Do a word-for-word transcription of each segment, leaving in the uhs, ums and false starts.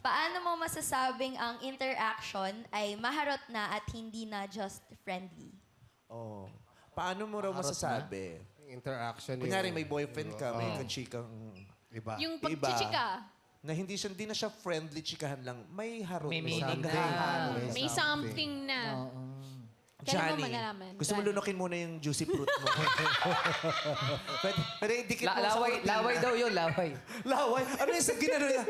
Paano mo masasabing ang interaction ay maharot na at hindi na just friendly? Oh. Paano mo raw masasabi? Interaction. Kunyari, may boyfriend ka, may kachikang Iba. Yung Iba. pagchichika. na hindi siya hindi na siya friendly chikahan lang, may harot. May may meaning naghahalo. na. May something na. Kailan mo Johnny, malalaman? gusto mo Johnny. lunukin muna yung juicy fruit mo. Pwede, pwede dikit La- mo sa laway, kortina. laway daw yun, laway. Laway? Ano yung sa ginano niya?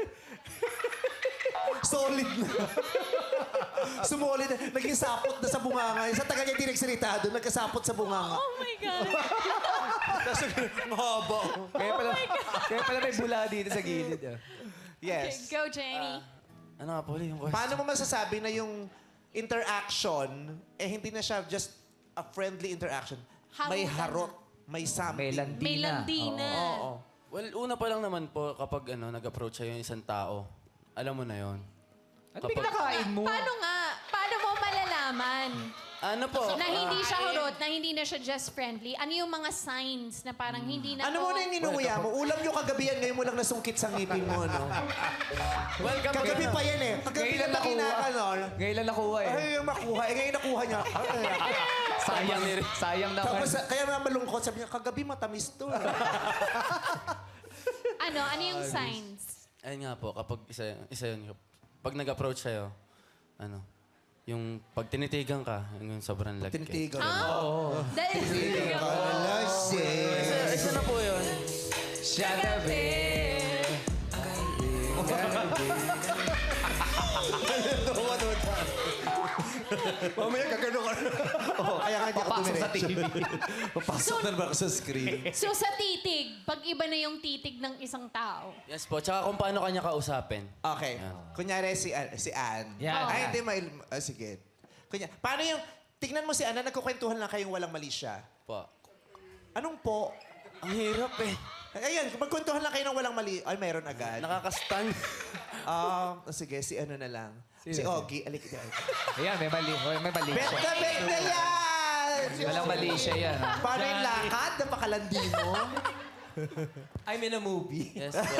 Solid na. Sumolid na. Naging sapot na sa bunganga. Sa taga niya direk-sirita doon, nagkasapot sa bunganga. Oh my God. Tapos, ang haba. Kaya pala, kaya pala may bula dito sa gilid. ah. Okay, Yes. go, Jenny. Ano nga po ulit yung question? Paano mo masasabi na yung interaction, eh hindi na siya just a friendly interaction. May Harutan harot. May something. May landi May na. landi na. Oo. Well, una pa lang naman po kapag ano, nag-approach sa'yo yung isang tao, alam mo na yon. Ano ba kinakain mo? Paano nga? Paano mo malalaman Ano po? na hindi siya hurot, na hindi na siya just friendly? Ano yung mga signs na parang hindi na Ano to... mo na yung inuuya mo? Ulam yung kagabihan, ngayon mo lang nasungkit sa ngipin mo, no? Well, kapag Kagabi pa yan eh. Kagabi Ngayon lang lang nakuha. nakinaka, no? Ngayon lang nakuha eh. Ay, yung makuha. Eh, ngayon nakuha niya. Ay, Sayang, sayang naman. Tapos, kaya nga malungkot. Sabi niya, kagabi matamis to. Ano? Ano yung signs? Ayun nga po, kapag isa, isa yun, pag nag-approach sa'yo, ano, yung pag tinitigan ka, yung sobrang lagkit. Tinitigan. Ah? Dahil... Isa, isa na po yun. Shatabi. Mamaya kagano ka. Oh, kaya nga hindi ako Papasok sa dumiretso. T V. Papasok na ba ako sa screen? So sa titig, pag iba na yung titig ng isang tao, Yes po, tsaka kung paano kanya kausapin. Okay. Kunyari si, An- si Ann. Yan. Ay, hindi. May, ah, sige. Kunya, paano yung... Tingnan mo si Ann na nagkukwentuhan lang kayong walang mali siya. Po. Anong po? Ang hirap eh. Ayan, magkwentuhan lang kayo ng walang mali. Ay, mayroon agad. Nakakastan. Um, sige, si ano na lang. Si Ogie. Alik, alik. Ayan, may mali. May mali Bet siya. na, bet na yan! Walang mali siya yan. ah. Paano yung lakad? Napakalandi mo. I'm in a movie. Yes po.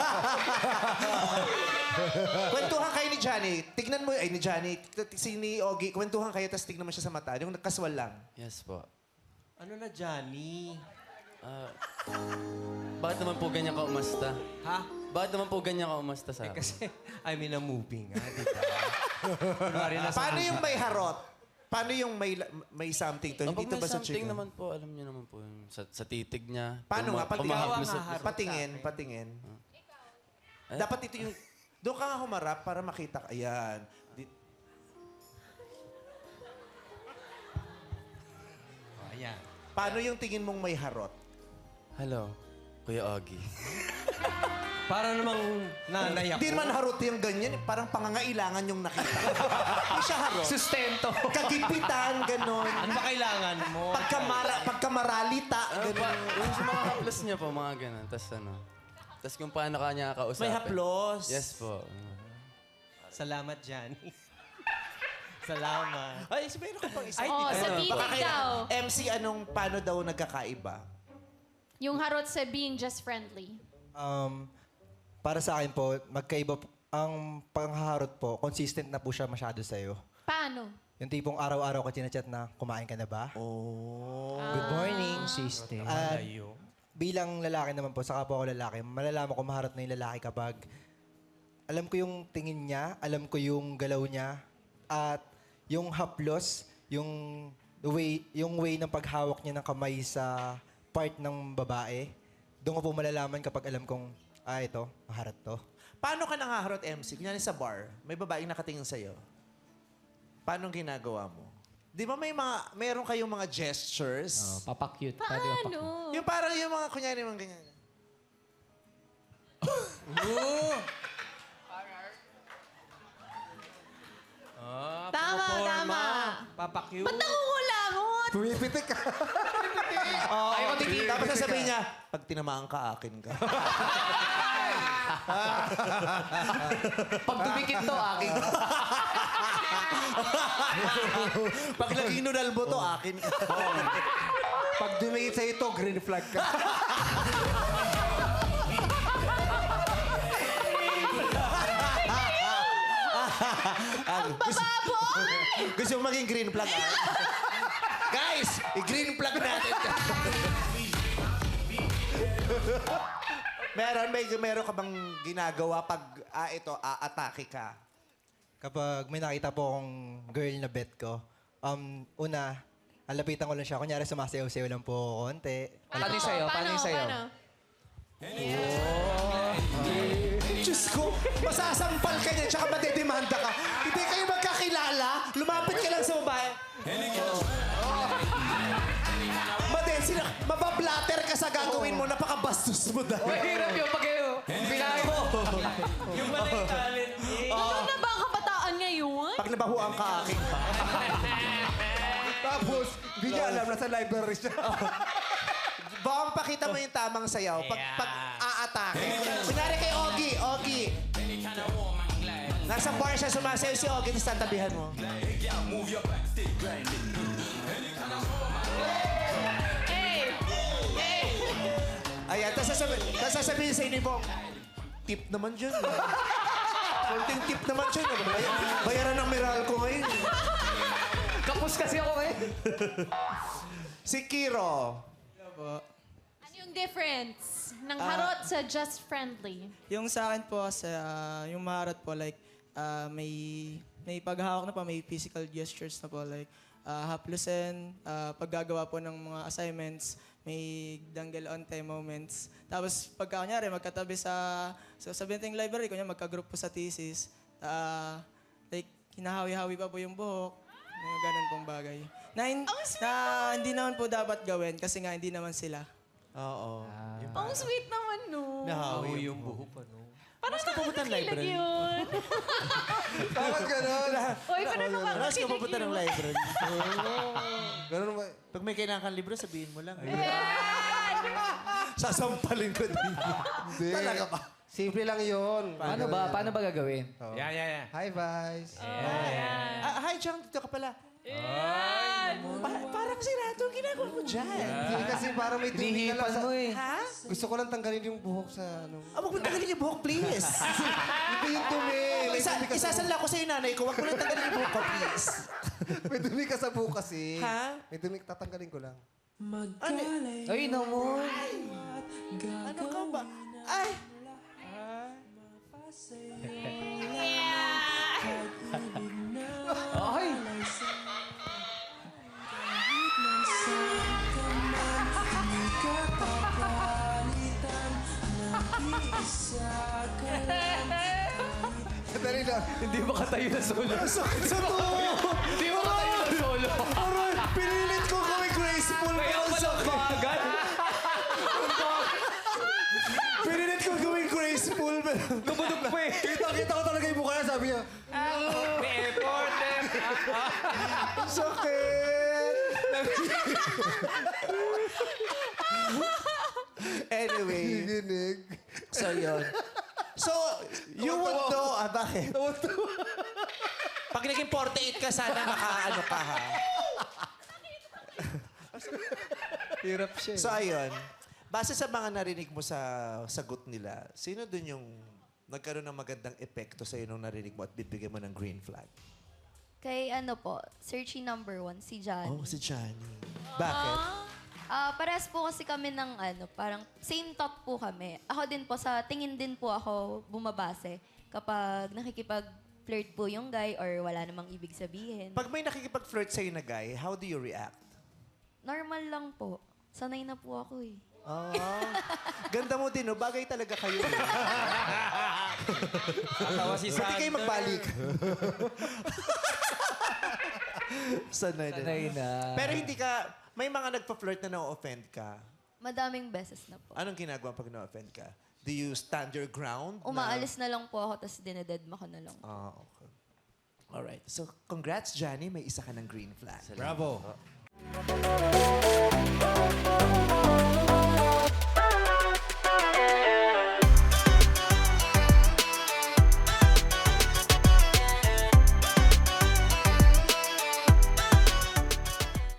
Kwentuhan kayo ni Johnny. Tignan mo, ay ni Johnny, t- si ni Ogie, kwentuhan kayo, tapos tignan mo siya sa mata. Yung kaswal lang. Yes po. Ano na, Johnny? Ah, bakit naman po ganyan ka umasta? Ha? Bakit naman po ganyan ka umasta sa akin? Kasi I'm in a movie nga, di ba? Kunwari nasa Paano yung may harot? Paano yung may may something to? Kapag Hindi to may ba sa something chicken? naman po, alam niyo naman po yung sa, sa titig niya. Paano nga? Puma- Pati, pumahag Ikaw mo sa- ang haharap. Patingin, patingin. Eh? Dapat ito yung... Doon ka nga humarap para makita ka. Ayan. Di- Oh, ayan. Paano yung tingin mong may harot? Hello, Kuya Ogie. Para namang nanay ako. Hindi naman harot yung ganyan. eh. Parang pangangailangan yung nakita. Hindi siya harot. Sustento. Kagipitan, ganon. Ano ba kailangan mo? Pagkamara, pagkamaralita, Ano pa, ganon. yung sa mga haplos niya po, mga ganun. Tapos ano, tapos kung paano ka niya kausapin. May haplos. Yes po. Salamat, Johnny. Salamat. Ay, sabihin ko pang isa. Oh, sa Ano? titig Baka kaya- daw. M C, anong, paano daw nagkakaiba? yung harot sa being just friendly. Um, para sa akin po, magkaiba po, ang panghaharot po, consistent na po siya masyado sa'yo. Paano? Yung tipong araw-araw ka chinachat na, kumain ka na ba? Oh. Good morning. System. At Malayo. bilang lalaki naman po, saka po ako lalaki, malalaman ko maharot na yung lalaki kapag alam ko yung tingin niya, alam ko yung galaw niya, at yung haplos, yung way, yung way ng paghawak niya ng kamay sa part ng babae, doon ko po malalaman kapag alam kong, ah, ito, maharot to. Paano ka nangaharot, M C? Kunyari sa bar, may babaeng nakatingin sa'yo. Paano ang ginagawa mo? Di ba may mga, meron kayong mga gestures? Oh, papakyut. Pwede papakyut. Paano? Yung parang yung mga, kunyari, mga ganyan. Ah, Tama, proforma. tama. Papakyu. Ba't nangungulangot? Pumipitik ka. Ayaw ko titigil. Tapos sasabihin niya, pag tinamaan ka, akin ka. Pag dumikit to, aking. pag naging nunal mo to, akin ka. Pag dumingit sa ito, green flag ka. Baboy! Gusto mo maging green flag, ah? Guys, i-green flag natin. meron, may, meron ka bang ginagawa pag, ah, ito, aatake ka? Kapag may nakita po akong girl na bet ko, um, una, alapitan ko lang siya. Kunyari, sumasayaw-sayaw lang po ako konti. Paano yung sayo? Paano yung sayo? Diyos ko, masasampal ka niya, tsaka madedemanda ka. Hindi kayo magkakilala, lumapit ka lang sa babae. Oh. Made, sila, mabablatter ka sa gagawin mo, napakabastos mo dahil. Mahirap yung pag kayo. Pinahin mo. Yung pala yung talent niya. Ano na ba ang kabataan ngayon? Pag nabahuan ka akin pa. Tapos, hindi niya alam na sa library siya. Bang, pakita mo yung tamang sayaw pag, pag aatake. Kunyari kay Ogie, Ogie. Nasa bar siya sumasayaw si Ogie, tapos tatabihan mo. Hey! Hey! Ayan, tapos sasabi- tapos sasabihin sa inyo po, tip naman dyan. Konting tip naman dyan. Bay- bayaran ng Meral ko ngayon. Kapos kasi ako eh. Si Kiro. Ano yung difference ng harot sa just friendly? Yung sa akin po, sa, ah, yung maharot po, like, ah, may, may paghahawak na po, may physical gestures na po, like, uh, haplusin, ah, paggagawa po ng mga assignments, may dangle on time moments. Tapos, pagka kunyari, magkatabi sa, sa, sa Benteng Library, kunyari, magka-group po sa thesis, ah, like, hinahawi-hawi pa po yung buhok, mga ganun pong bagay. Na, hin- na hindi naman po dapat gawin kasi nga hindi naman sila. Oo. Ang sweet naman, no? Nahawi yung buhok, ano? Parang nakakakilig yun. Bakit gano'n? Uy, parang Tapos ka nakakakilig pupunta ng yun. library. Gano'n ba? Pag may kailangan kang libro, sabihin mo lang. Sasampalin ko din. Hindi. Talaga ba? Simple lang yun. Paano ba? Paano ba gagawin? Yeah, yeah, yeah. Hi, Vice. Ah, hi, Chang. Dito ka pala. Pa- parang sirado ang ginagawa mo dyan. Hindi kasi parang may dumi ka lang Hinihipan sa... mo eh. Ha? Gusto ko lang tanggalin yung buhok sa ano. Ah, huwag mo tanggalin yung buhok, please. Hindi yung dumi. May Isa, dumi ka sa isasanla ko sa iyo, nanay ko. Huwag mo lang tanggalin yung buhok ko, please. May dumi ka sa buhok kasi. Ha? May dumi, tatanggalin ko lang. Ano? Ay, naman. Ano ka ba? Ay! Ay! Dali lang. Hindi makatayo na solo. Sakit sa to! Hindi makatayo na solo. Aray! Pinilit ko gawin graceful. Kaya pero pala sakit. bagal. Pinilit ko gawin graceful. pero- Kabudok pa eh. Kita-kita ko talaga yung mukha niya, sabi niya. May effort eh. Sakit! Anyway, Ginig. so yun. So, you would know, ah, bakit? Pag naging forty-eight ka, sana makaano ka, ha? Hirap siya. So, ayun. Base sa mga narinig mo sa sagot nila, sino dun yung nagkaroon ng magandang epekto sa'yo nung narinig mo at bibigyan mo ng green flag? Kay ano po, searchy number one, si Johnny. Oh, si Johnny. Bakit? Ah, parehas po kasi kami ng ano, parang same thought po kami. Ako din po, sa tingin din po ako bumabase kapag nakikipag-flirt po yung guy or wala namang ibig sabihin. Pag may nakikipag-flirt sa'yo na guy, how do you react? Normal lang po. Sanay na po ako eh. Ah, ganda mo din, no? Bagay talaga kayo. eh. Tatawa si Pwede kayo magbalik. Sanay din. Sanay na. Pero hindi ka, may mga nagpa-flirt na na-offend ka. Madaming beses na po. Anong ginagawa pag na-offend ka? Do you stand your ground? na- Umaalis na lang po ako, tapos dinededma ko na lang. Ah, okay. Alright. So, congrats, Johnny. May isa ka ng green flag. Bravo.